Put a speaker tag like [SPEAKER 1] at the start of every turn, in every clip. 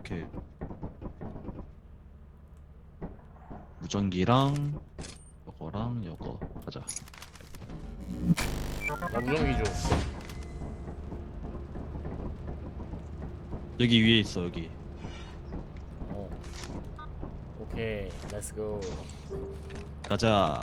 [SPEAKER 1] 오케이. 무전기랑 요거랑 요거 가자.
[SPEAKER 2] 나 무전기 줘.
[SPEAKER 1] 여기 위에 있어 여기.
[SPEAKER 2] 어. 오케이, 렛츠고.
[SPEAKER 1] 가자.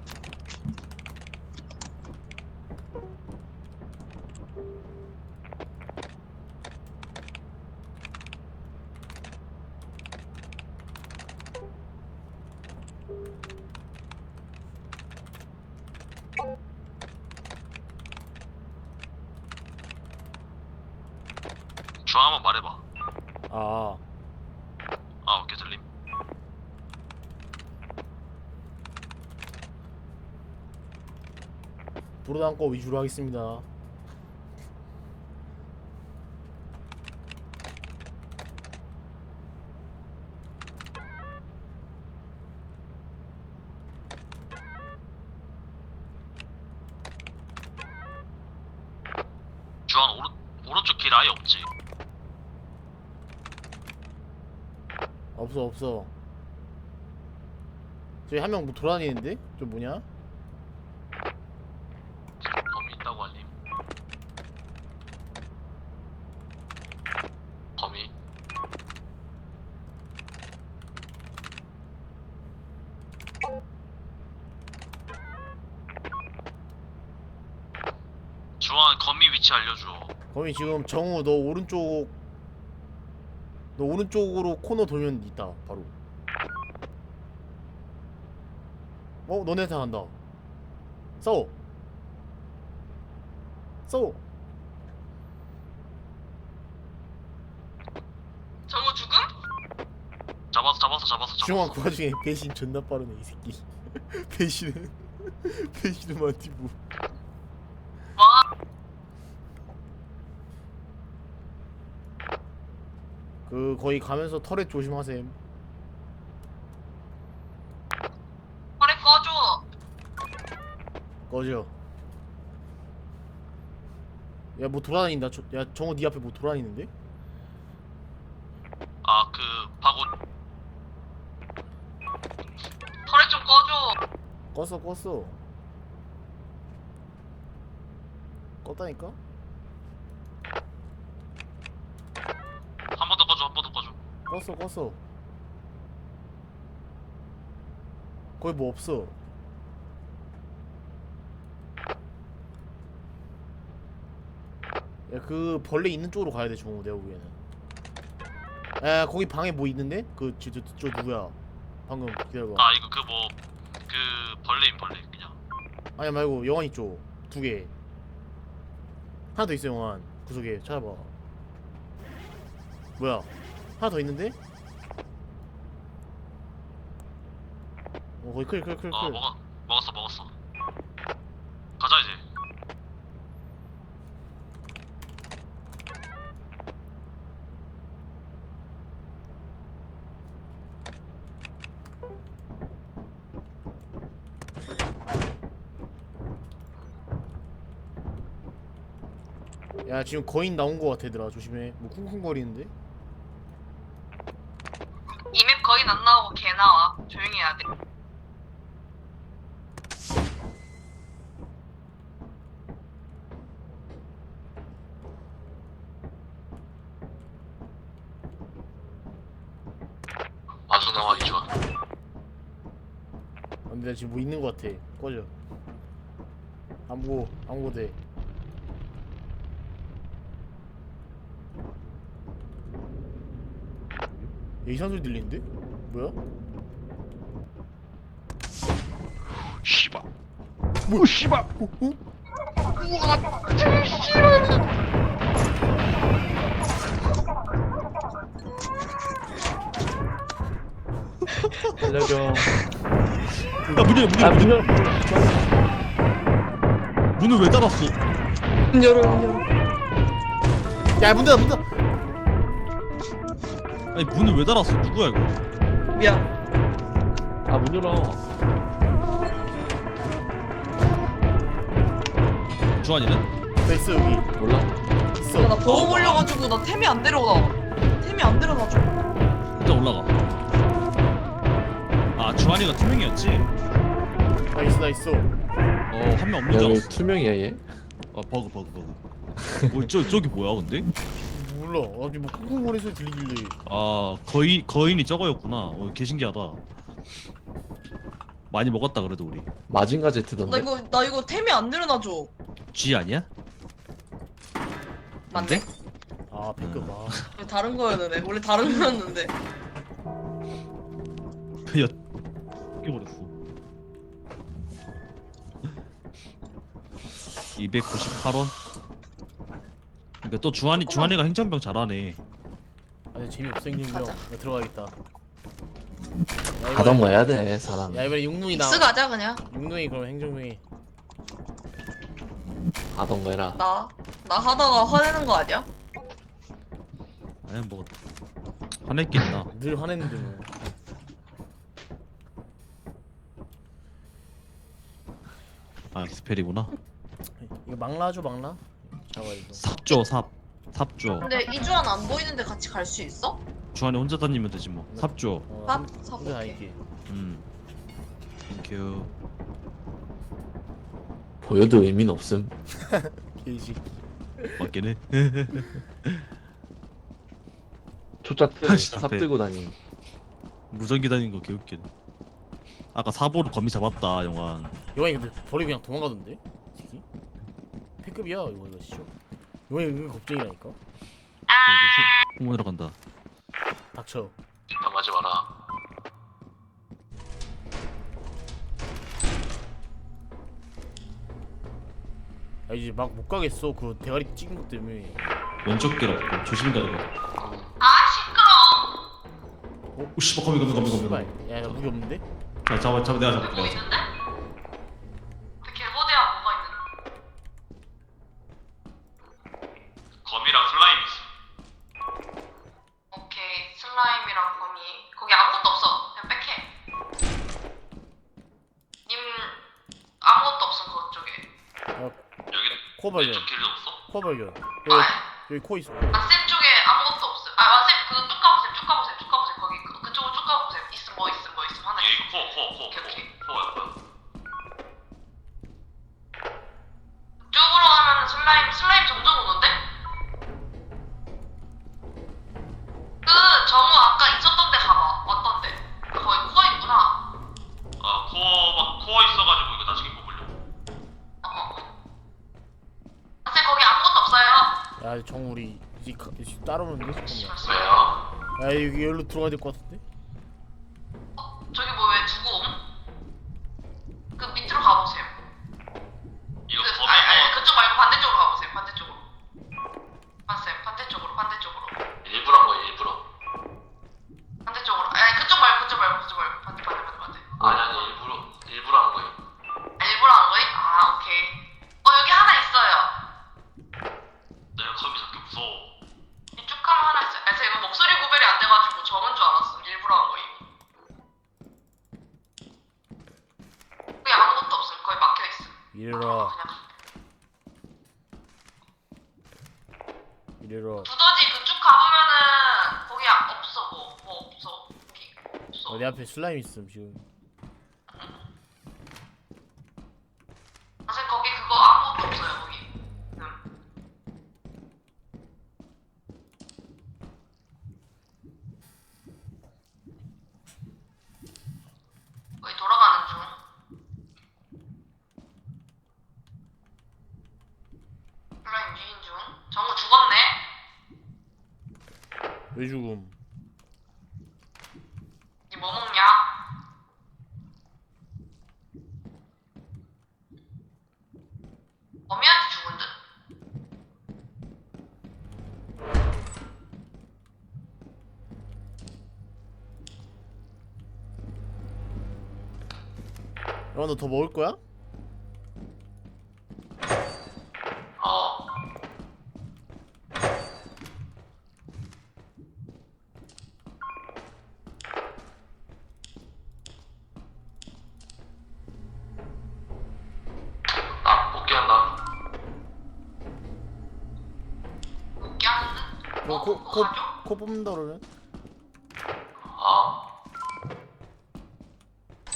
[SPEAKER 3] 주황 한번 말해봐.
[SPEAKER 2] 아,
[SPEAKER 3] 아 오케이 들림.
[SPEAKER 2] 불어담고 위주로 하겠습니다.
[SPEAKER 3] 주황 오른쪽 길 아예 없지.
[SPEAKER 2] 없어, 없어. 저기 한 명 뭐 돌아다니는데? 저 뭐냐?
[SPEAKER 3] 범위 있다고 알림. 범위. 주황 거미 위치 알려줘.
[SPEAKER 2] 거기 지금 정우 너 오른쪽으로 코너 돌면 있다 바로. 너네한테 간다. 싸워.
[SPEAKER 3] 정우 죽음? 잡았어.
[SPEAKER 2] 중앙 그 와중에 배신 존나 빠르네 이 새끼. 배신은 마티브. 그 거기 가면서 터렛 조심하셈.
[SPEAKER 3] 터렛 꺼줘.
[SPEAKER 2] 꺼져. 야 뭐 돌아다닌다. 야 정우 네 앞에 뭐 돌아다니는데?
[SPEAKER 3] 아 그 바구. 터렛 좀 꺼줘.
[SPEAKER 2] 껐어. 껐다니까?
[SPEAKER 3] 한 번 더 꺼줘.
[SPEAKER 2] 껐어. 거기 뭐 없어. 야 그 벌레 있는 쪽으로 가야 돼 정우 내가 보기에는. 야 거기 방에 뭐 있는데? 저 누구야? 방금 기다려봐.
[SPEAKER 3] 아 이거 그 벌레인 벌레 그냥.
[SPEAKER 2] 아니 말고 영환이 쪽 2개. 하나 더 있어 영환 구석에 찾아봐. 뭐야? 하나 더 있는데? 거기 클.
[SPEAKER 3] 먹었어. 가자 이제.
[SPEAKER 2] 야 지금 거인 나온 거 같아 얘들아 조심해. 뭐 쿵쿵거리는데?
[SPEAKER 4] 이 맵 거의 안 나오고 개 나와. 조용히 해야 돼.
[SPEAKER 3] 아주 나와 좋아.
[SPEAKER 2] 근데 나 지금 뭐 있는 거 같아. 꺼져. 안 보고 돼. 야, 이상한 소리 들리는데? 뭐야?
[SPEAKER 1] 씨발. 뭐 씨발.
[SPEAKER 5] 알려줘.
[SPEAKER 1] 야 문 열어.
[SPEAKER 5] 문 열어.
[SPEAKER 1] 문을 왜 닫았어?
[SPEAKER 5] 문 열어.
[SPEAKER 2] 야 문 닫아.
[SPEAKER 1] 아니 문을 왜 닫았어? 누구야 이거?
[SPEAKER 5] 미안. 아, 문 열어.
[SPEAKER 1] 주환이는?
[SPEAKER 2] 됐어 여기.
[SPEAKER 5] 몰라.
[SPEAKER 2] 있어.
[SPEAKER 4] 나 보험 올려가지고 나 템이 안 데려가. 템이 안 데려가지고.
[SPEAKER 1] 주한이가 투명이었지?
[SPEAKER 2] 나이스 나이스.
[SPEAKER 1] 한 명 없는 줄
[SPEAKER 5] 야, 왜
[SPEAKER 1] 알았어.
[SPEAKER 5] 투명이야 얘?
[SPEAKER 1] 버그. 저기 뭐야 근데?
[SPEAKER 2] 몰라. 아니 뭐 쿵쿵거리는 소리 들리길래.
[SPEAKER 1] 아 거인이 저거였구나. 개 신기하다. 많이 먹었다 그래도 우리.
[SPEAKER 5] 마징가
[SPEAKER 4] 나
[SPEAKER 5] 제트던데?
[SPEAKER 4] 이거 템이 안 늘어나줘.
[SPEAKER 1] G 아니야?
[SPEAKER 4] 맞네?
[SPEAKER 2] 아 패급. 아.
[SPEAKER 4] 왜 다른 거였는데? 원래 다른 거였는데.
[SPEAKER 1] 야 깨버렸어. 298원. 그러니까 또 주한이가 행정병 잘하네.
[SPEAKER 2] 아니 재미없어 행정병.
[SPEAKER 4] 가자.
[SPEAKER 2] 나 들어가겠다. 야,
[SPEAKER 5] 가던 거 해야 돼 사람.
[SPEAKER 2] 야 이번에 육눈이 나.
[SPEAKER 4] 믹스 가자 그냥.
[SPEAKER 2] 육눈이 그럼 행정병이.
[SPEAKER 5] 가던 거 해라.
[SPEAKER 4] 나 하다가 화내는 거 아니야?
[SPEAKER 1] 아니 뭐 화냈겠나.
[SPEAKER 2] 늘 화냈는데 뭐.
[SPEAKER 1] 아 스펠이구나.
[SPEAKER 2] 이거 막라죠 막라? 잡아 이거. 삽조.
[SPEAKER 4] 근데 이주환 안 보이는데 같이 갈 수 있어?
[SPEAKER 1] 주한이 혼자 다니면 되지 뭐. 삽조.
[SPEAKER 4] 삽?
[SPEAKER 2] 혼자
[SPEAKER 4] 삽.
[SPEAKER 2] 다닐게.
[SPEAKER 1] 땡큐.
[SPEAKER 5] 보여도 의미는 없음.
[SPEAKER 2] 게이지.
[SPEAKER 1] 맞긴 해.
[SPEAKER 5] 초짜 때
[SPEAKER 1] 다시
[SPEAKER 5] 삽
[SPEAKER 1] 앞에.
[SPEAKER 5] 들고 다니.
[SPEAKER 1] 무전기 다니는 거 개웃기네. 아까 사보로 거미 잡았다 영환.
[SPEAKER 2] 요한이 근데 버리고 그냥 도망가던데? 새끼? 패급이야 이거 진짜. 요한이 은근 겁쟁이라니까.
[SPEAKER 1] 홍보하러 간다.
[SPEAKER 2] 닥쳐.
[SPEAKER 3] 당하지 마라.
[SPEAKER 2] 아 이제 막 못 가겠어. 그 대가리 찍은 것 때문에.
[SPEAKER 1] 왼쪽 길 없고 조심 가야 돼.
[SPEAKER 4] 아 시끄러.
[SPEAKER 1] 오 씨발 거미.
[SPEAKER 2] 씨발. 야, 나 무기 없는데?
[SPEAKER 1] 자 잡아 내가 잡을게.
[SPEAKER 4] 뭐 있는데? 개보대야 뭐가 있는데?
[SPEAKER 3] 거미랑 슬라임 있어.
[SPEAKER 4] 오케이 슬라임이랑 거미. 거기 아무것도 없어. 그냥 빽해. 님 아무것도 없음 그쪽에.
[SPEAKER 3] 여기
[SPEAKER 2] 코 발견.
[SPEAKER 3] 왼쪽 길도 없어?
[SPEAKER 2] 코 발견.
[SPEAKER 4] 아,
[SPEAKER 2] 여기 코 있어.
[SPEAKER 4] 쌤 쪽에 아무것도 없음. 쌤 그 쭉 가보세요. 거기 그쪽으로 쭉 가보세요. 있음 하나
[SPEAKER 3] 얘
[SPEAKER 4] 있음.
[SPEAKER 3] 이거 코야 뭐야?
[SPEAKER 4] 쪽으로 가면은 슬라임 점점 오는데? 그 정우 아까 있었던 데 가봐. 왔던데. 거기 코어 있구나.
[SPEAKER 3] 아 코어 있어가지고 이거 나중에 뽑으려.
[SPEAKER 4] 쌤 거기 아무것도 없어요.
[SPEAKER 2] 야, 정 우리 이제 따라오는데? 잠깐만.
[SPEAKER 3] 왜요?
[SPEAKER 2] 야, 여기 여기로 들어가야 될 것 같은데?
[SPEAKER 4] 저기 뭐 왜 두고 옴? 그 밑으로 가보세요.
[SPEAKER 3] 이거
[SPEAKER 4] 그,
[SPEAKER 3] 거미
[SPEAKER 4] 아니 그쪽 말고 반대쪽으로 가보세요. 반대쪽으로. 맞아요. 반대쪽으로.
[SPEAKER 3] 일부러 한 거야 일부러.
[SPEAKER 4] 반대쪽으로. 아니 그쪽 말고. 반대.
[SPEAKER 3] 아니 일부러 한 거야.
[SPEAKER 4] 일부러 한 거임? 아 오케이. 여기 하나 있어요.
[SPEAKER 3] 내가 거미 잡기 무서워.
[SPEAKER 4] 이쪽 가면 하나 있어요. 아 제가 목소리 구별이 안 돼가지고 적은 줄 알았어. 일부러 한 거임. 거기 아무것도 없음. 거의 막혀 있어.
[SPEAKER 2] 이래라.
[SPEAKER 4] 그냥
[SPEAKER 2] 이래라.
[SPEAKER 4] 두더지 그쪽 가보면은 거기 없어. 뭐 없어. 거기 없어.
[SPEAKER 2] 내 앞에 슬라임 있음 지금.
[SPEAKER 4] 사실 거기 그거 아무것도 없어요. 거기. 거기 돌아가는 중. 슬라임 유인 중. 정우 죽었네.
[SPEAKER 2] 왜 죽음?
[SPEAKER 4] 니 뭐 먹냐? 거미한테 죽은 듯?
[SPEAKER 2] 야, 너 더 먹을 거야?
[SPEAKER 3] 어. 나 복귀한다.
[SPEAKER 4] 웃게 하는 듯?
[SPEAKER 2] 너
[SPEAKER 4] 그거 가죠?
[SPEAKER 2] 코 뽑는다 그러면?
[SPEAKER 3] 아.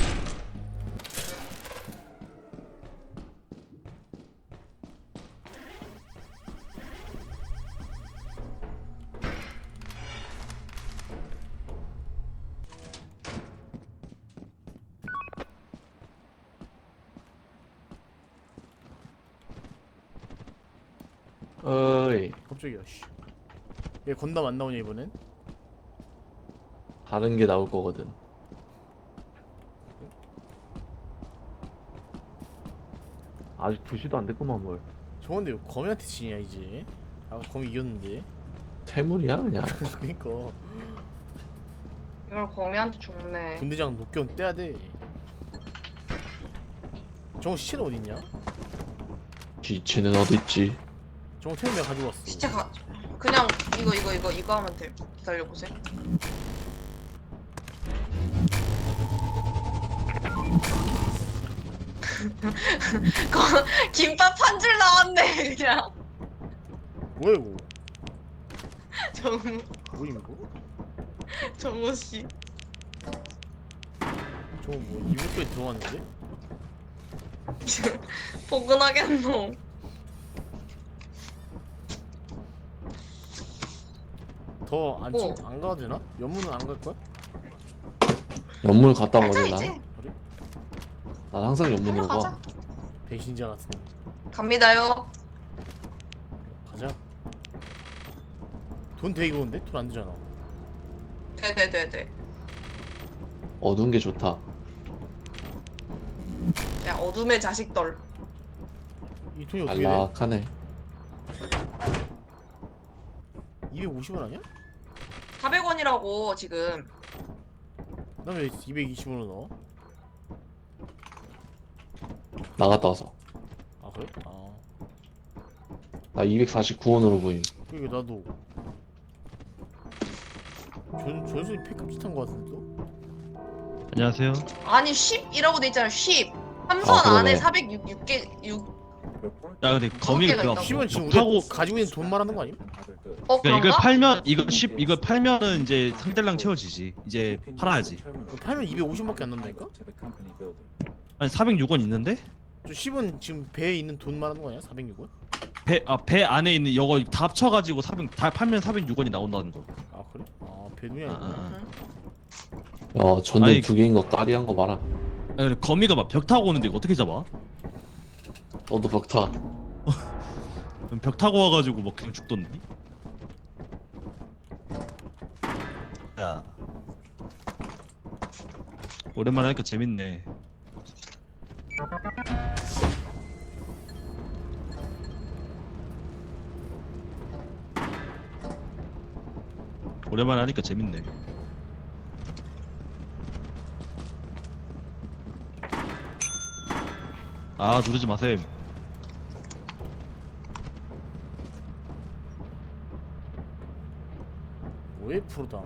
[SPEAKER 5] 어이
[SPEAKER 2] 갑자기야 씨. 얘 건담 안 나오냐 이번엔?
[SPEAKER 5] 다른 게 나올 거거든. 아직 2시도 안 됐구만 뭘.
[SPEAKER 2] 저건데 왜 거미한테 지냐 이제. 아 거미 이겼는데.
[SPEAKER 5] 퇴물이야 그냥.
[SPEAKER 2] 그니까
[SPEAKER 4] 이걸 거미한테 줬네.
[SPEAKER 2] 군대장 녹견 떼야 돼. 저거 시체는 어디 있냐?
[SPEAKER 5] 지치는 어딨지?
[SPEAKER 2] 저거 태우 내가 가지고 왔어.
[SPEAKER 4] 진짜 그냥 이거 하면 돼. 기다려보세요. 김밥 한 줄 나왔네 그냥.
[SPEAKER 2] 뭐야 이거?
[SPEAKER 4] 정우
[SPEAKER 2] 뭐임 이거?
[SPEAKER 4] 정우 씨.
[SPEAKER 2] 저거 뭐 이불 속에 들어갔는데?
[SPEAKER 4] 포근하겠노.
[SPEAKER 2] 더안
[SPEAKER 4] 뭐?
[SPEAKER 2] 안 가도 되나? 연문은 안 갈 거야?
[SPEAKER 5] 연문 갔다
[SPEAKER 4] 가자
[SPEAKER 5] 오거든 나.
[SPEAKER 4] 이제.
[SPEAKER 5] 난 항상 연문으로
[SPEAKER 4] 가자.
[SPEAKER 5] 가.
[SPEAKER 2] 배신자 같은.
[SPEAKER 4] 갑니다요.
[SPEAKER 2] 가자. 돈 되게 그건데? 돈 안 되잖아.
[SPEAKER 4] 네네네네.
[SPEAKER 5] 어두운 게 좋다.
[SPEAKER 4] 야 어둠의 자식들.
[SPEAKER 2] 이 돈이 어떻게 돼?
[SPEAKER 5] 안락하네.
[SPEAKER 2] 250원 아니야?
[SPEAKER 4] 400원이라고 지금.
[SPEAKER 2] 나 왜 220원을 넣어?
[SPEAKER 5] 나갔다 와서.
[SPEAKER 2] 아 그래? 아
[SPEAKER 5] 나 249원으로 보임.
[SPEAKER 2] 그러니까 나도 전순이 팩값 비슷한 거 같은데 또?
[SPEAKER 1] 안녕하세요.
[SPEAKER 4] 아니 10이라고 돼 있잖아 10. 삼선
[SPEAKER 5] 아, 그러네.
[SPEAKER 4] 안에 406개 6.
[SPEAKER 1] 야 근데 거미가
[SPEAKER 4] 개가
[SPEAKER 1] 그
[SPEAKER 4] 있다고?
[SPEAKER 2] 10원 지금
[SPEAKER 1] 타고
[SPEAKER 2] 우리가 가지고 있는 돈 말하는 거 아님?
[SPEAKER 4] 어
[SPEAKER 1] 그러니까 이걸
[SPEAKER 4] 그런가?
[SPEAKER 1] 팔면 이걸 팔면은 이제 상대랑 채워지지. 이제 팔아야지.
[SPEAKER 2] 그거 팔면 250원밖에 안 남다니까?
[SPEAKER 1] 아니 406원 있는데
[SPEAKER 2] 저 10원 지금 배에 있는 돈 말하는 거 아니야? 406원?
[SPEAKER 1] 배 안에 있는 이거 다 합쳐가지고 400 다 팔면 406원이 나온다는 거.
[SPEAKER 2] 아 그래? 아 배눈이
[SPEAKER 1] 아,
[SPEAKER 2] 아니구나.
[SPEAKER 1] 아.
[SPEAKER 5] 야 전등
[SPEAKER 1] 아니,
[SPEAKER 5] 2개인 거 까리한 거 봐라.
[SPEAKER 1] 아니 근데 거미가 막 벽 타고 오는데 이거 어떻게 잡아?
[SPEAKER 5] 너도 벽타.
[SPEAKER 1] 벽 타고 와가지고 막 그냥 죽던데. 야. 오랜만에 하니까 재밌네. 오랜만에 하니까 재밌네. 아 누르지 마셈.
[SPEAKER 2] 왜 프로다?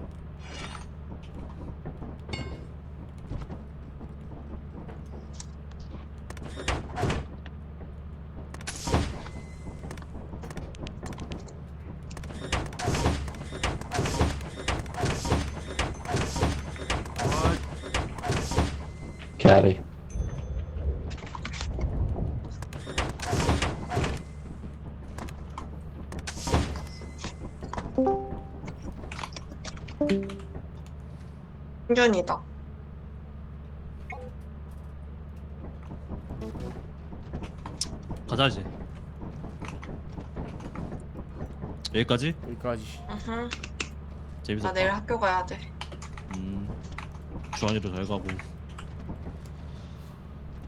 [SPEAKER 5] 개아리.
[SPEAKER 4] 충전이다.
[SPEAKER 1] 가자 이제. 여기까지?
[SPEAKER 2] 여기까지.
[SPEAKER 1] 재밌었다.
[SPEAKER 4] 나 내일 학교 가야 돼.
[SPEAKER 1] 주환이도 잘 가고.